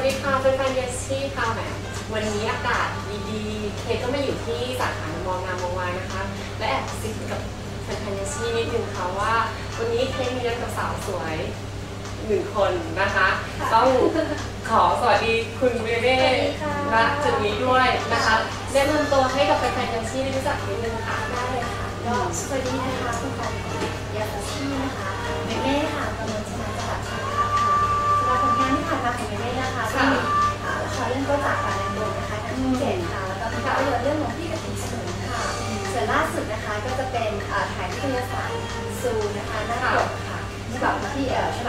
ดีค่ะเป็นแฟนเยสซี่ค่ะแหมวันนี้อากาศดีๆเคก็มาอยู่ที่สาขามองงามมองวานนะคะและแอบซิกกับแฟนเยสซี่นิดนึงค่ะว่าวันนี้เคมีนัดกับสาวสวย1 คนนะคะต้องขอสวัสดีคุณเบเบ้และจุดนี้ด้วยนะคะแนะนำตัวให้กับแฟนเยสซี่ได้รู้จักนิดนึงค่ะได้เลยค่ะก็สวัสดีนะคะคุณแฟนของเยสซี่นะคะเบเบ้ค่ะกำลังจะมาจังหวัดชัยนาทค่ะสำหรับผลงานที่ผ่านมาของเบเบ้นะคะก็มีละครเรื่องก็จากการเรียนรู้นะคะทั้งเจ็ดค่ะแล้วก็ภาพยนตร์เรื่องของพี่กติกสมุนค่ะส่วนล่าสุดนะคะก็จะเป็นถ่ายนิตยสารซูนะคะหน้าปกค่ะฉบับที่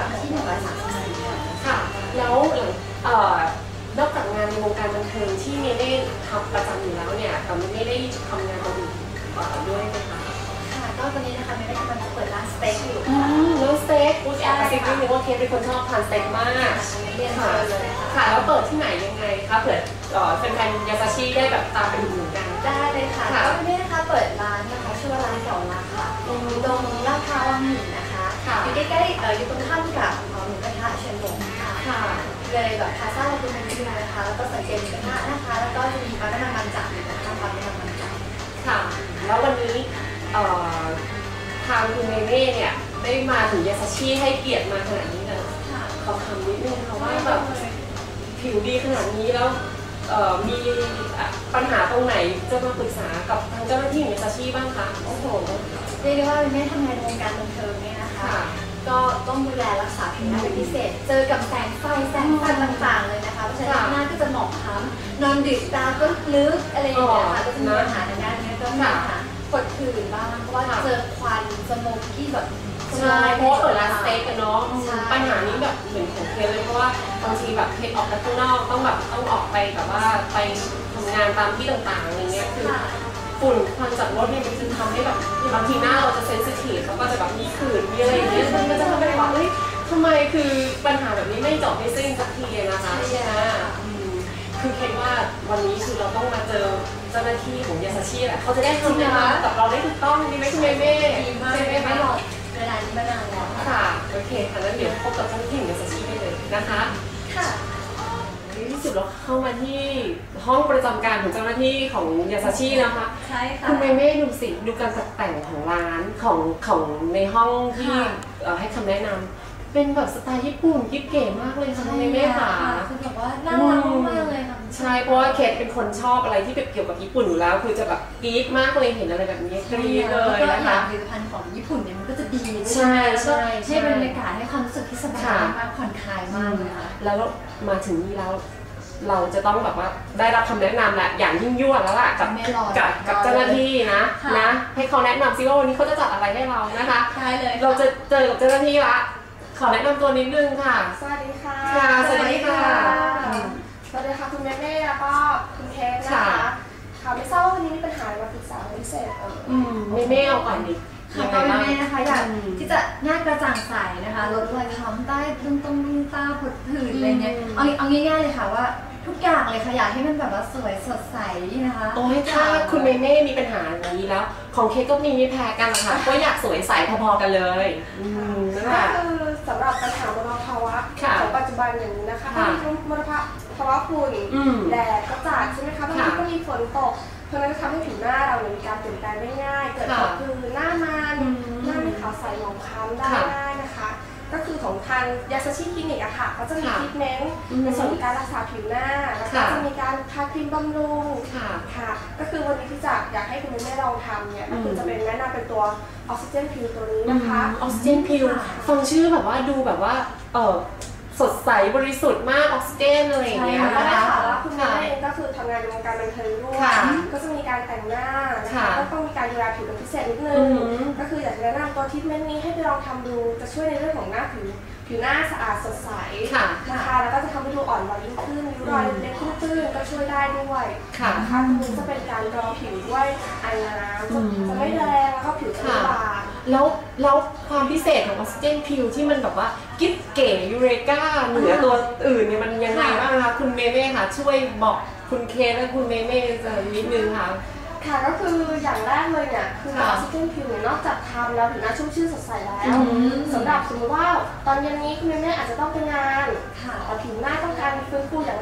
130 ค่ะแล้วนอกจากงานในวงการบันเทิงที่เมย์ได้ทำประจำอยู่แล้วเนี่ยแต่ไม่ได้ทำงานอื่นด้วยไหมคะค่ะก็ตอนนี้นะคะเมย์ได้กำลังจะเปิดร้านสเต็กอยู่แล้วสเต็กอุ๊ยแอบกระซิบนิดนึงว่าเคสเป็นคนชอบทานสเต็กมากเรียนเลยค่ะแล้วเปิดที่ไหนยังไงคะเผื่อแฟนๆยาซาชิได้แบบตามไปดูกันได้เลยค่ะก็เมย์นะคะเปิดร้านนะคะชื่อว่าร้านเก่ารักค่ะตรงลาดพร้าววังหินนะคะอยู่ใกล้ๆอยู่ตรงข้ามกับหมูกระทะเชียงรมค่ะเลยแบบพาซ่าเราดูมันดีนะคะแล้วก็สังเกตหมูกระทะนะคะแล้วก็จะมีปั๊มน้ำมันจับอยู่นะคะปั๊มน้ำมันจับค่ะแล้ววันนี้ทางคุณเมเม่เนี่ยได้มาถึงยาซาชิให้เกียรติมาขนาดนี้เลยขอคำนิดนึงค่ะว่าแบบผิวดีขนาดนี้แล้วมีปัญหาตรงไหนจะมาปรึกษากับทางเจ้าหน้าที่ของยาซาชิบ้างคะโอ้โหเรียกได้ว่าเป็นแม่ทำงานในวงการบันเทิงเนี่ยนะคะก็ต้องดูแลรักษาผิวหน้าเป็นพิเศษเจอกับแสงไฟต่างๆเลยนะคะเพราะฉะนั้นหน้าก็จะหมองคล้ำนอนดึกตาก็ลึกอะไรอย่างเงี้ยค่ะก็จะมีปัญหาในด้านนี้ก็มีปัญหาปวดผื่นบ้างเพราะว่าเจอควันสโมกที่แบบใช่เพราะเปิดร้านสเต็กกันเนาะปัญหานี้แบบเหมือนของเคสเลยเพราะว่าบางทีแบบเคสออกไปข้างนอกต้องออกไปแบบว่าไปทำงานตามที่ต่างๆอะไรเงี้ยคือฝุ่นควันจากรถเนี่ยมันจะทำให้แบบบางทีหน้าเราจะเซนซิทีฟแล้วก็จะแบบมีขื่นมีอะไรอย่างเงี้ยมันจะทำให้แบบเฮ้ยทำไมคือปัญหาแบบนี้ไม่จบไม่สิ้นสักทีนะคะคือคิดว่าวันนี้คือเราต้องมาเจอเจ้าหน้าที่ของยาซาชิแหละเขาจะได้ทำงานกับเราได้ถูกต้องดีไหมคุณเมเม่ใช่ไหมคะเวลานี้มานานแล้วค่ะโอเคค่ะแล้วเดี๋ยวพบกับเจ้าหน้าที่ของยาซาชิได้เลยนะคะค่ะที่สุดเราเข้ามาที่ห้องประจำการของเจ้าหน้าที่ของยาซาชินะคะใช่ค่ะคุณเมเม่ดูสิดูการตกแต่งของร้านของในห้องที่ให้คำแนะนำเป็นแบบสไตล์ญี่ปุ่นกิ๊บเก๋มากเลยค่ะคุณเมเม่ค่ะคือแบบว่าน่ารักมากเลยค่ะใช่เพราะว่าเคทเป็นคนชอบอะไรที่เกี่ยวกับญี่ปุ่นอยู่แล้วคือจะแบบกรี๊ดมากเลยเห็นอะไรแบบนี้กรี๊ดเลยนะคะผลิตภัณฑ์ของญี่ปุ่นเนี่ยมันก็จะดีใช่ให้บรรยากาศให้ความรู้สึกที่สบายมากผ่อนคลายมากเลยค่ะแล้วมาถึงนี่แล้วเราจะต้องแบบว่าได้รับคำแนะนำแหละอย่างยิ่งยวดแล้วล่ะกับเจ้าหน้าที่นะให้เขาแนะนำซิว่าวันนี้เขาจะจัดอะไรให้เรานะคะใช่เลยเราจะเจอกับเจ้าหน้าที่ละขอแนะนำตัวนิดนึงค่ะสวัสดีค่ะสวัสดีค่ะสวัสดีค่ะคุณแม่แล้วก็คุณเคสนะคะค่ะไม่ทราบว่าวันนี้มีปัญหาอะไรมาปรึกษาพิเศษแม่เอาก่อนดิค่ะก็แม่นะคะอยากที่จะหน้ากระจ่างใสนะคะลดรอยค้ำใต้ตรงตาผดผื่นอะไรเงี้ยเอาง่ายๆเลยค่ะว่าทุกอย่างเลยค่ะอยากให้มันแบบว่าสวยสดใสนะคะโอ้ยถ้าคุณเมเม่มีปัญหาอย่างนี้แล้วของเคสก็มีไม่แพ้กันนะคะก็อยากสวยใสพอๆกันเลยก็คือสำหรับปัญหามลภาวะของปัจจุบันอย่างนี้นะคะก็มีทั้งมลภาวะฝุ่นแดดก็จัดใช่ไหมคะบางทีก็มีฝนตกเพราะนั้นก็ทำให้ผิวหน้าเรามีการเปลี่ยนแปลงได้ง่ายเกิดผดผื่นหน้ามันหน้าไม่ขาวใสหมองคล้ำได้ง่ายนะคะก็คือของทางยาซาชิคลินิกอะค่ะเขาจะมีทรีทเมนต์ในส่วนของการรักษาผิวหน้าแล้วก็จะมีการทาครีมบำรุงค่ะก็คือวันนี้ที่จะอยากให้คุณแม่ลองทำเนี่ยก็คือจะเป็นแนะนำเป็นตัวออกซิเจนพิวตัวนี้นะคะออกซิเจนพิวฟังชื่อแบบว่าดูแบบว่าสดใสบริสุทธิ์มากออกซิเจนอะไรอย่างเงี้ยนะคะแล้วคุณแม่เองก็คือทำงานในวงการบันเทิงด้วยก็จะมีการแต่งหน้านะคะก็ต้องมีการดูแลผิวเป็นพิเศษนิดนึงก็คืออยากจะแนะนำตัวทรีทเมนต์นี้ให้ไปลองทำดูจะช่วยในเรื่องของหน้าผิวหน้าสะอาดสดใสนะคะแล้วก็จะทำให้ดูอ่อนวัยยิ่งขึ้นริ้วรอยเล็กๆตื้นๆก็ช่วยได้ด้วยนะคะตรงนี้จะเป็นการรองผิวด้วยไอน้ำจะไม่แรงแล้วก็ผิวจะไม่บางแล้วความพิเศษของออกซิเจนพิวที่มันแบบว่ากิ๊บเก๋ยูเรกาเหนือตัวอื่นเนี่ยมันยังไงบ้างคะคุณเมเม่ค่ะช่วยบอกคุณเคและคุณเมเม่นิดนึงค่ะค่ะก็คืออย่างแรกเลยเนี่ยคือออกซิเจนผิวนอกจากทำแล้วผิวหน้าชุ่มชื่นสดใสแล้วสำหรับสมมติว่าตอนเย็นนี้คุณแม่อาจจะต้องไปงานแต่ผิวหน้าต้องการฟื้นฟูอย่าง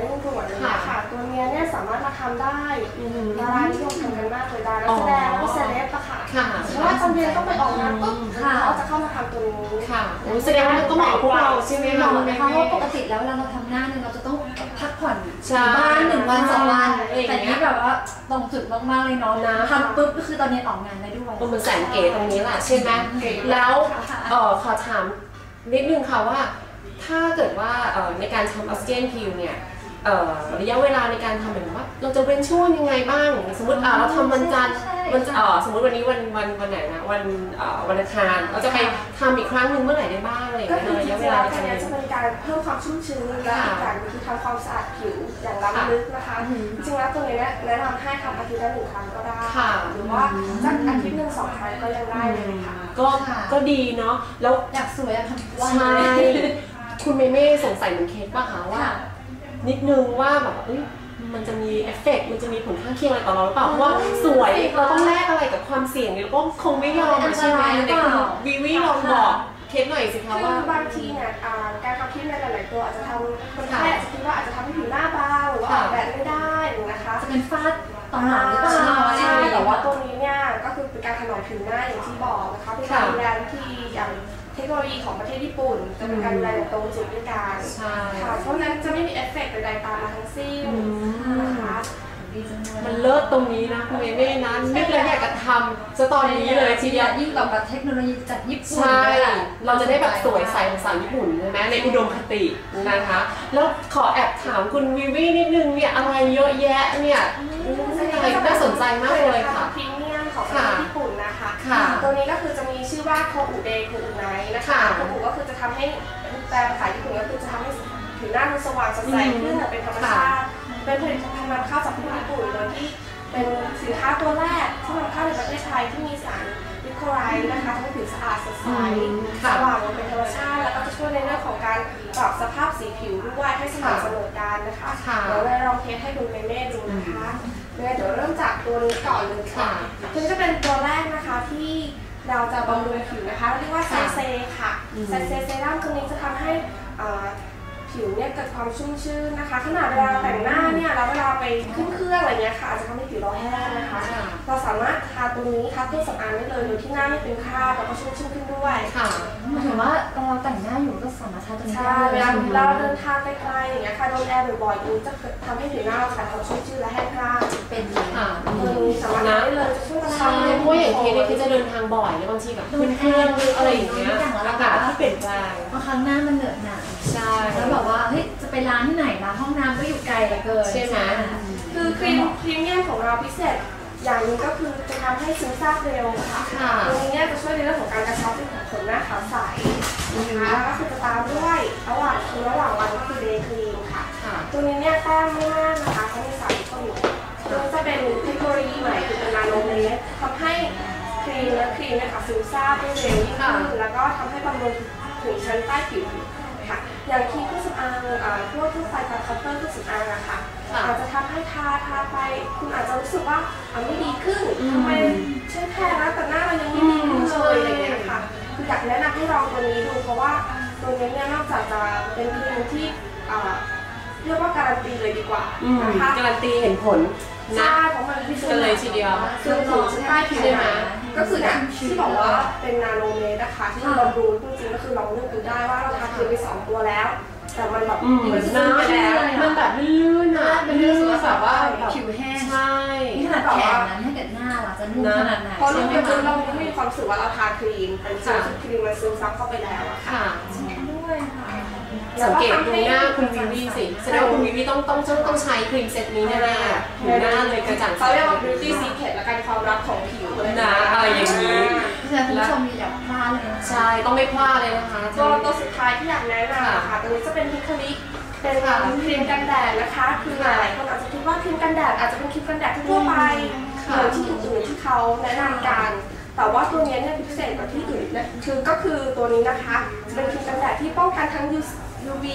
ามารถมาทำได้ดารานิยมทำกันมากเลยดาราแสดงแล้วก็เซเลบอะค่ะเพราะว่าตอนเย็นต้องไปออกงานปุ๊บเขาจะเข้ามาทำตัวนี้ค่ะแสดงว่ามันก็เหมาะกับพวกเราใช่ไหมคะเพราะว่าปกติแล้วเวลาเราทำหน้าเนี่ยเราจะต้องพักผ่อนบ้าน1 วัน 2 วันแต่นี้แบบว่าตรงจุดมากๆเลยเนาะทำปุ๊บก็คือตอนนี้ออกงานได้ด้วยมันแสนเก๋ตรงนี้แหละใช่ไหมแล้วขอถามนิดนึงค่ะว่าถ้าเกิดว่าในการทำออสเตรียนพิวเนี่ยระยะเวลาในการทำเหมือนว่าเราจะเว้นช่วงยังไงบ้างสมมติเราทำวันจันทร์สมมติวันนี้วันไหนนะวันอังคารเราจะไปทำอีกครั้งหนึ่งเมื่อไหร่ได้บ้างอะไรอย่างเงี้ยระยะเวลาในการจะเป็นการเพิ่มความชุ่มชื้นและอีกอย่างคือทำความสะอาดผิวอย่างล้ำลึกนะคะจริงๆแล้วตัวนี้แนะนำให้ทำอาทิตย์ละ1 ครั้งก็ได้หรือว่าสักอาทิตย์1 2 ครั้งก็ยังได้เลยค่ะก็ดีเนาะแล้วอยากสวยอยากทำวันใช่คุณเมย์สงสัยเหมือนเคสป่ะคะว่านิดนึงว่าแบบมันจะมีเอฟเฟกต์มันจะมีผลข้างเคียงอะไรต่อเราหรือเปล่าเพราะว่าสวยเราต้องแลกอะไรกับความเสี่ยงเนี่ยเราก็คงไม่ยอมใช่ไหมในคุณวิลองบอกเคสหน่อยสิคะว่าบางทีเนี่ยการทำครีมในหลายๆตัวอาจจะทำคนไข้อาจจะคิดว่าอาจจะทำให้ผิวหน้าบางหรือว่าออกแบบไม่ได้นะคะจะเป็นฝ้าตอนหลังหรือเปล่าใช่แต่ว่าตัวนี้เนี่ยก็คือเป็นการถนอมผิวหน้าอย่างที่บอกนะคะเป็นการดูแลที่อย่างเทคโนโลยีของประเทศญี่ปุ่นจะเป็นการดูแลอย่างตรงจุดด้วยกันค่ะเพราะนั้นจะไม่มีเอฟเฟกต์ใดๆตามมาทั้งสิ้นนะคะมันเลิศตรงนี้นะคุณเมย์นะนึกแล้วอยากจะทำจะตอนนี้เลยทีเดียวยิ่งแบบเทคโนโลยีจากญี่ปุ่นใช่เราจะได้แบบสวยใสภาษาญี่ปุ่นใช่ไหมในอุดมคตินะคะแล้วขอแอบถามคุณวิวีนิดนึงเนี่ยอะไรเยอะแยะเนี่ยอะไรน่าสนใจมากเลยค่ะพรีเมียมของประเทศญี่ปุ่นนะคะตัวนี้ก็คือจะมีชื่อว่าโคอุเดโคอุไนนะคะโคอุก็คือจะทำให้แปลภาษาญี่ปุ่นก็คือจะทำให้ผิวหน้าดูสว่างสดใสขึ้นเป็นธรรมชาติเป็นผลิตภัณฑ์นำเข้าจากประเทศญี่ปุ่นโดยที่เป็นสินค้าตัวแรกที่นำเข้าในประเทศไทยที่มีสารวิโคไลท์นะคะทำให้ผิวสะอาดสดใสสว่างเป็นธรรมชาติแล้วก็จะช่วยในเรื่องของการปรับสภาพสีผิวด้วยให้สม่ำเสมอกันนะคะเดี๋ยวเราลองเทสให้ดูเม่ดูนะคะเดี๋ยวเริ่มจากตัวนี้ก่อนเลยค่ะตัวนี้จะเป็นตัวแรกนะคะที่เราจะบำรุงผิวนะคะเรียกว่าไซเซค่ะไซเซเซรั่มตัวนี้จะทำให้ผิวเนี่ยเกิดความชุ่มชื้นนะคะขนาดเวลาแต่งหน้าเนี่ยแล้วเวลาไปขึ้นเครื่องอะไรเงี้ยค่ะอาจจะทำให้ผิวเราแห้งนะคะเราสามารถทาตัวนี้ทาเครื่องสำอางได้เลยโดยที่หน้าไม่เป็นคราบแล้วก็ชุ่มชื้นขึ้นด้วยค่ะหมายถึงว่าเราแต่งหน้าอยู่ก็สามารถทาตัวนี้ได้เวลาเราเดินทางไกลๆอย่างเงี้ยค่ะโดนแอร์บ่อยๆจะทำให้ผิวหน้าเราขาดความชุ่มชื้นและแห้งกร้านเป็นค่ะสามารถได้เลยจะช่วยใช่เพราะอย่างเคสเนี่ยคือจะเดินทางบ่อยแล้วบางทีแบบขึ้นเครื่องอะไรอย่างเงี้ยอากาศที่เปลี่ยนแปลงบางครั้งหน้ามันเหนอะหนะใช่แล้วแบบว่าเฮ้ยจะไปร้านที่ไหนร้านห้องน้ำก็อยู่ไกลเหลือเกินใช่ไหมคือครีมเมียมของเราพิเศษอย่างนึงก็คือจะทำให้ซึมซาบเร็วค่ะตรงนี้เนี่ยจะช่วยในเรื่องของการกระชับของขนหน้าขาวใสนะคะแล้วก็คือจะตามด้วยระหว่างวันก็คือเดย์ครีมค่ะตัวนี้เนี่ยแต้มไม่มากนะคะเขามีสารก็อยู่ตัวจะเป็นเทคโนโลยีใหม่คือเป็นนาโนเลเยอร์ทำให้ครีมเนี่ยค่ะซึมซาบได้เร็วยิ่งขึ้นแล้วก็ทำให้บำรุงถึงชั้นใต้ผิวค่ะอย่างครีมเครื่องสำอางพวกไฟตาคัพเตอร์เครื่องสำอางอะค่ะอาจจะทำให้ทาไปคุณอาจจะรู้สึกว่าไม่ดีขึ้นทำไมใช่แค่นะแต่หน้าเรายังไม่ดีขึ้นเลยอะไรอย่างเงี้ยค่ะคืออยากแนะนำให้ลองตัวนี้ดูเพราะว่าตัวนี้เนี่ยนอกจากจะเป็นครีมที่เรียกว่าการันตีเลยดีกว่านะคะการันตีเห็นผลนะเพราะมันพิสูจน์เลยทีเดียวซึ่งถูกใต้ผิวนะก็คือเนี่ยที่บอกว่าเป็นนาโนเมตรนะคะที่เราดูจริงๆก็คือลองเลือกดูได้ว่าเราทาครีมไป2 ตัวแล้วแต่มันแบบมันน้ำไปแล้วมันแบบลื่นอ่ะมันลื่นแบบว่าผิวแห้งใช่นี่ขนาดแขนนั้นถ้าเกิดหน้าล่ะจะนุ่มขนาดไหนเพราะเราไม่มีความรู้สึกว่าเราทาครีมเป็นครีมมันซึมซับเข้าไปแล้วอะค่ะด้วยค่ะสังเกตดูหน้าคุณวิวีสิแสดงว่าคุณวิวีต้องใช้ครีมเซตนี้แน่ๆผิวหน้าเลยกระจ่างใสเขาเรียกว่า beauty secret และการความลับของผิวนะอะไรอย่างนี้คุณผู้ชมอย่าพลาดเลยใช่ต้องไม่พลาดเลยนะคะตัวสุดท้ายที่อยากแนะนำค่ะตัวนี้จะเป็นพิคลิกเป็นครีมกันแดดนะคะคือหลายคนอาจจะคิดว่าครีมกันแดดอาจจะเป็นครีมกันแดดทั่วไปเหมือนที่อื่นๆที่เขาแนะนำกันแต่ว่าตัวนี้เนี่ยพิเศษกว่าที่อื่นนะก็คือตัวนี้นะคะเป็นครีมกันแดดที่ป้องกันทั้ง UV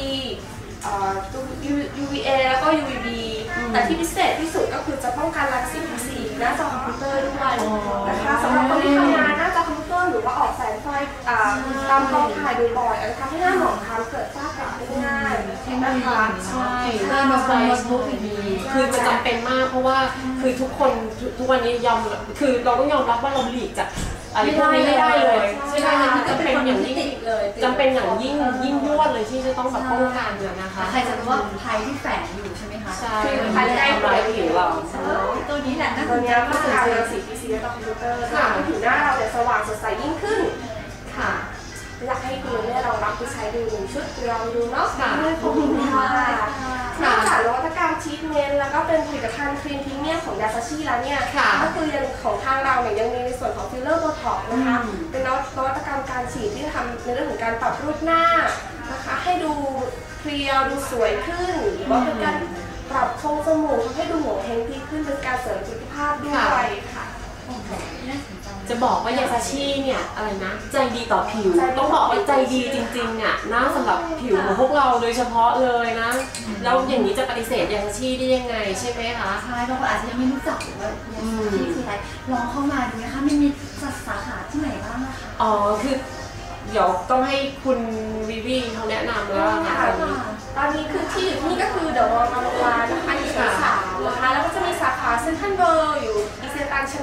UVA แล้วก็ UVB แต่ที่พิเศษที่สุดก็คือจะป้องกันรังสีหน้าจอคอมพิวเตอร์ด้วยนะคะสำหรับคนที่ทำงานหน้าจอคอมพิวเตอร์หรือว่าออกแสงไฟตามกล้องถ่ายบ่อยๆอาจจะทำให้หน้าหมองคล้ำเกิดฝ้ากระได้ง่ายนะคะใช่โน้ตบุ๊กอย่างนี้คือมันจำเป็นมากเพราะว่าคือทุกคนทุกวันนี้คือเราต้องยอมรับว่าเราหลีกจากอะไรพวกนี้ไม่ได้เลยใช่ไหมมันจำเป็นอย่างยิ่งจำเป็นอย่างยิ่งยวดเลยที่จะต้องแบบป้องกันนะคะใครจะรู้ว่าภัยที่แฝงอยู่ใช่ไหมคะใช่ภัยที่ทำร้ายผิวเราตัวนี้แหละตัวนี้ก็คือการรังสี PC และคอมพิวเตอร์ทำให้ผิวหน้าเราเนี่ยสว่างสดใสยิ่งขึ้นค่ะอยากให้คุณเนี่ยลองรับไปใช้ดู1 ชุดลองดูเนาะขอบคุณค่ะนอกจากนวัตกรรมทรีทเมนต์แล้วก็เป็นผลิตภัณฑ์ครีมพรีเมียมของยาซาชิแล้วเนี่ยก็คือยังของทางเราเนี่ยยังมีในส่วนของฟิลเลอร์โบท็อกซ์นะคะเป็นนวัตกรรมการฉีดที่ทำในเรื่องของการปรับรูปหน้านะคะให้ดูเพรียวดูสวยขึ้นหรือว่าเป็นการปรับทรงจมูกให้ดูโหมเฮงดีขึ้นเป็นการเสริมสุขภาพด้วยค่ะจะบอกว่ายาซาชิเนี่ยอะไรนะใจดีต่อผิวต้องบอกว่าใจดีจริงๆอ่ะนะสำหรับผิวของพวกเราโดยเฉพาะเลยนะแล้วอย่างนี้จะปฏิเสธยาซาชิได้ยังไงใช่ไหมคะใช่บางคนอาจจะยังไม่รู้จักว่ายาซาชิคืออะไรลองเข้ามาดูนะคะมันมีสาขาที่ไหนบ้างนะคะอ๋อคือเดี๋ยวต้องให้คุณวิวีเขาแนะนำแล้วค่ะตอนนี้คือที่อยู่ที่นี่ก็คือเดอะมอลล์บางวานนะคะอยู่ชั้น3นะคะแล้วก็จะมีสาขาเซ็นทรัลเวิลด์อยู่อีเซตันชั้น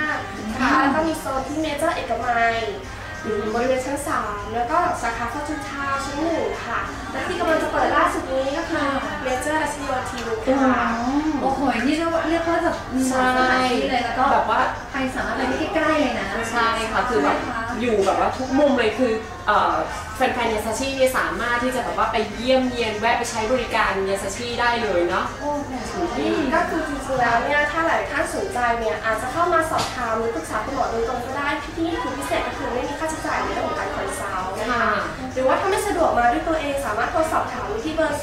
5นะคะแล้วก็มีโซนที่เมเจอร์เอกมัยอยู่บริเวณชั้น3แล้วก็สาขาฟอร์จูนทาวน์ชั้น1ค่ะและที่กำลังจะเปิดล่าสุดนี้ก็คือเมเจอร์รัชโยธินค่ะโอ้โหนี่เรียกว่าแบบมีสถานที่เลยแล้วก็แบบว่าใครสามารถไปได้ใกล้ๆเลยนะใช่ค่ะคือแบบอยู่แบบว่าทุกมุมเลยคือแฟนๆยาซาชิเนี่ยสามารถที่จะแบบว่าไปเยี่ยมเยียนแวะไปใช้บริการยาซาชิได้เลยเนาะก็คือจริงๆแล้วเนี่ยถ้าหลายท่านสนใจเนี่ยอาจจะเข้ามาสอบถามหรือปรึกษาคุณหมอโดยตรงก็ได้ที่นี่คือพิเศษก็คือไม่มีค่าใช้จ่ายในเรื่องของการคอนซัลท์นะคะหรือว่าถ้าไม่สะดวกมาด้วยตัวเองสามารถโทรสอบถามที่เบอร์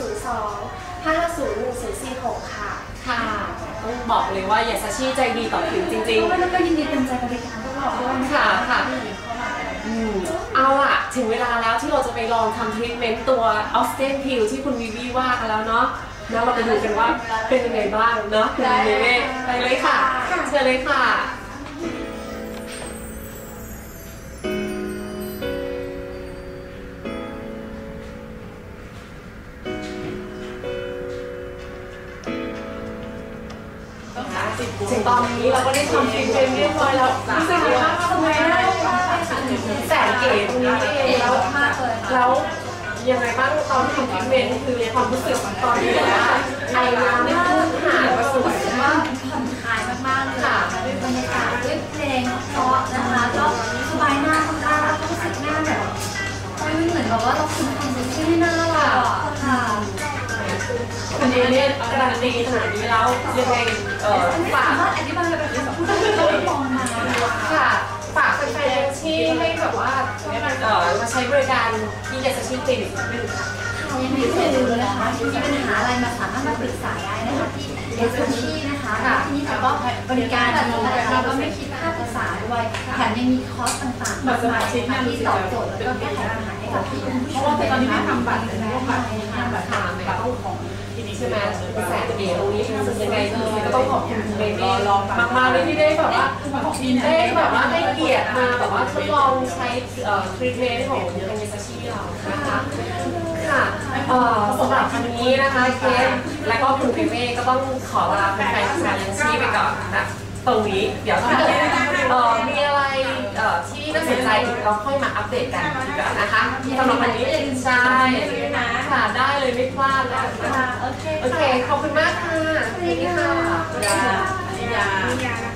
02-550-1446 ค่ะค่ะต้องบอกเลยว่ายาซาชิใจดีต่อผิวจริงๆแล้วก็ยินดีเต็มใจบริการพวกเราด้วยค่ะเอาล่ะถึงเวลาแล้วที่เราจะไปลองทำทรีทเมนต์ตัวออสเตนพิลที่คุณวิวีว่ากันแล้วเนาะแล้วเราไปดูกันว่าเป็นยังไงบ้างเนาะคุณวิวีไปเลยค่ะเชิญเลยค่ะถึงตอนนี้เราก็ได้ทำทรีทเมนต์เรียบร้อยแล้วรู้สึกว่าทำไมได้แสนเก๋ตรงนี้เองแล้วยังไงบ้างตอนทำทรีทเมนต์คือความรู้สึกตอนนี้ว่าไอน้ำได้พุ่งหายมาสวยมากผ่อนคลายมากๆเลยค่ะด้วยบรรยากาศด้วยเพลงเพราะนะคะก็สบายหน้ามากๆรู้สึกหน้าแบบไม่เหมือนแบบว่าเราคุมความรู้สึกให้หน้าเราค่ะคุณเอเล่การันตีขนาดนี้แล้วยังไงฝากอธิบายแบบนี้พูดได้ไม่มองมาค่ะฝากแฟนๆที่ให้แบบว่ามาใช้บริการที่ยาซาชิคลินิกนิดนึงค่ะยังไม่เคยดูนะคะมีปัญหาอะไรมาสามารถมาปรึกษาได้นะคะที่ยาซาชินะคะที่นี่ก็บริการดีนะคะก็ไม่คิดค่าปรึกษาด้วยแถมยังมีคอร์สต่างๆมากมายที่ตอบโจทย์แล้วก็แก้ไขปัญหาให้กับที่คุณผู้ชมเพราะว่าตอนนี้ไม่ทำบัตรเลยนะบัตรทางบัตรของใช่ไหมแสนเก๋ตรงนี้ยังไงก็ต้องขอบคุณเบบี้มากๆเลยที่ได้แบบว่าได้เกียรติมาแบบว่าทดลองใช้ทรีทเมนต์ของยาซาชิเรานะคะค่ะสำหรับวันนี้นะคะเคสและก็คุณเบบี้ก็ต้องขอลาแฟนๆยาซาชิไปก่อนนะตรงนี้เดี๋ยวถ้าเกิดมีอะไรที่น่าสนใจเราค่อยมาอัปเดตกันดีกว่านะคะสำหรับวันนี้ใช่ค่ะได้เลยไม่พลาดแล้วโอเคขอบคุณมากค่ะสวัสดีค่ะ